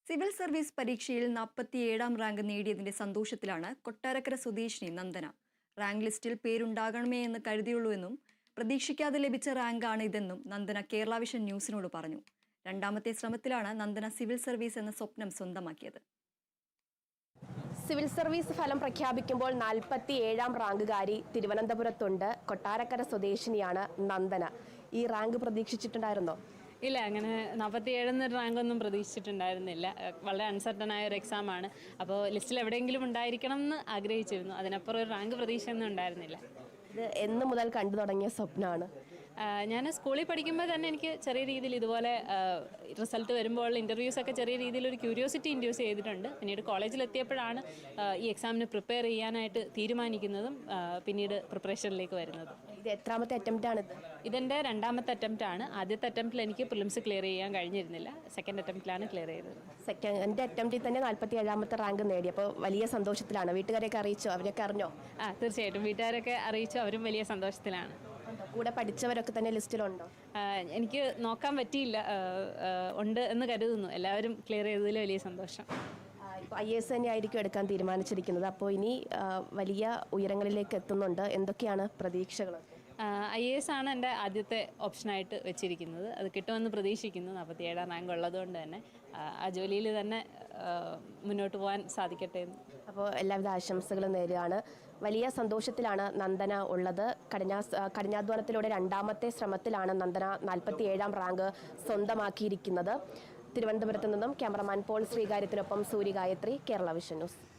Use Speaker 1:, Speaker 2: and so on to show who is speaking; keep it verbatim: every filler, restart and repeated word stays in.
Speaker 1: Civil service പരീക്ഷയിൽ നാൽപ്പത്തിയേഴാം rank നേടിയതിന്റെ സന്തോഷത്തിലാണ് കൊട്ടാരക്കര സ്വദേശിനി നന്ദന. റാങ്ക് ലിസ്റ്റിൽ പേരുണ്ടാകണമേ എന്ന് കരുതിയുള്ളൂ എന്നും പ്രതീക്ഷിക്കാതെ ലഭിച്ച റാങ്കാണ് ഇതെന്നും നന്ദന കേരള വിഷൻ ന്യൂസിനോട് പറഞ്ഞു. രണ്ടാമത്തെ ശ്രമത്തിലാണ് നന്ദന സിവിൽ സർവീസ് എന്ന സ്വപ്നം സ്വന്തമാക്കിയത്.
Speaker 2: സിവിൽ സർവീസ് ഫലം പ്രഖ്യാപിക്കുമ്പോൾ നാൽപ്പത്തി ഏഴാം റാങ്കുകാരി തിരുവനന്തപുരത്തുണ്ട്. കൊട്ടാരക്കര സ്വദേശിനിയാണ് നന്ദന. ഈ റാങ്ക് പ്രതീക്ഷിച്ചിട്ടുണ്ടായിരുന്നോ?
Speaker 3: ഇല്ല, അങ്ങനെ നാൽപ്പത്തി ഏഴെന്ന റാങ്കൊന്നും പ്രതീക്ഷിച്ചിട്ടുണ്ടായിരുന്നില്ല. വളരെ അൺസർട്ടനായ ഒരു എക്സാമാണ്. അപ്പോൾ ലിസ്റ്റിൽ എവിടെയെങ്കിലും ഉണ്ടായിരിക്കണം എന്ന് ആഗ്രഹിച്ചിരുന്നു. അതിനപ്പുറം ഒരു റാങ്ക് പ്രതീക്ഷയൊന്നും ഉണ്ടായിരുന്നില്ല.
Speaker 2: ഇത് എന്ന് മുതൽ കണ്ടു തുടങ്ങിയ സ്വപ്നമാണ്?
Speaker 3: ഞാൻ സ്കൂളിൽ പഠിക്കുമ്പോൾ തന്നെ എനിക്ക് ചെറിയ രീതിയിൽ ഇതുപോലെ റിസൾട്ട് വരുമ്പോൾ ഇൻ്റർവ്യൂസൊക്കെ ചെറിയ രീതിയിൽ ഒരു ക്യൂരിയോസിറ്റി ഇൻഡ്യൂസ് ചെയ്തിട്ടുണ്ട്. പിന്നീട് കോളേജിലെത്തിയപ്പോഴാണ് ഈ എക്സാമിന് പ്രിപ്പയർ ചെയ്യാനായിട്ട് തീരുമാനിക്കുന്നതും പിന്നീട് പ്രിപ്പറേഷനിലേക്ക് വരുന്നത്.
Speaker 2: ഇത് എത്രാമത്തെ അറ്റംപ്റ്റ് ആണ്?
Speaker 3: ഇതെൻ്റെ രണ്ടാമത്തെ അറ്റംപ്റ്റ് ആണ്. ആദ്യത്തെ അറ്റംപ്റ്റിൽ എനിക്ക് പ്രിലിംസ് ക്ലിയർ ചെയ്യാൻ കഴിഞ്ഞിരുന്നില്ല. സെക്കൻഡ് അറ്റംപ്റ്റിലാണ് ക്ലിയർ ചെയ്തത്.
Speaker 2: സെക്കൻഡ് അറ്റംപ്റ്റിൽ തന്നെ നാൽപ്പത്തി ഏഴാമത്തെ റാങ്ക് നേടി. അപ്പോൾ വലിയ സന്തോഷത്തിലാണ്. വീട്ടുകാരെയൊക്കെ അറിയിച്ചോ? അവരൊക്കെ അറിഞ്ഞോ?
Speaker 3: ആ, തീർച്ചയായിട്ടും വീട്ടുകാരൊക്കെ അറിയിച്ചു. അവരും വലിയ സന്തോഷത്തിലാണ്.
Speaker 2: കൂടെ പഠിച്ചവരൊക്കെ തന്നെ ലിസ്റ്റിലുണ്ടോ?
Speaker 3: എനിക്ക് നോക്കാൻ പറ്റിയില്ല. ഉണ്ട് എന്ന് കരുതുന്നു. എല്ലാവരും ക്ലിയർ ചെയ്തതിൽ വലിയ സന്തോഷം.
Speaker 2: ഇപ്പോൾ ഐ എസ് തന്നെ ആയിരിക്കും എടുക്കാൻ തീരുമാനിച്ചിരിക്കുന്നത്. അപ്പോൾ ഇനി വലിയ ഉയരങ്ങളിലേക്ക് എത്തുന്നുണ്ട്. എന്തൊക്കെയാണ് പ്രതീക്ഷകൾ?
Speaker 3: ഐ എ എസ് ആണ് എൻ്റെ ആദ്യത്തെ ഓപ്ഷനായിട്ട് വെച്ചിരിക്കുന്നത്. അത് കിട്ടുമെന്ന് പ്രതീക്ഷിക്കുന്നു. നാൽപ്പത്തി ഏഴാം റാങ്ക് ഉള്ളതുകൊണ്ട് തന്നെ ആ ജോലിയിൽ തന്നെ മുന്നോട്ട് പോകാൻ സാധിക്കട്ടെ എന്ന്.
Speaker 2: അപ്പോൾ എല്ലാവിധ ആശംസകളും നേരുകയാണ്. വലിയ സന്തോഷത്തിലാണ് നന്ദന ഉള്ളത്. കഠിനാ കഠിനാധ്വാനത്തിലൂടെ രണ്ടാമത്തെ ശ്രമത്തിലാണ് നന്ദന നാൽപ്പത്തി ഏഴാം റാങ്ക് സ്വന്തമാക്കിയിരിക്കുന്നത്. തിരുവനന്തപുരത്ത് നിന്നും ക്യാമറമാൻ പോൾ ശ്രീകാര്യത്തിനൊപ്പം സൂര്യ ഗായത്രി, കേരള വിഷൻ ന്യൂസ്.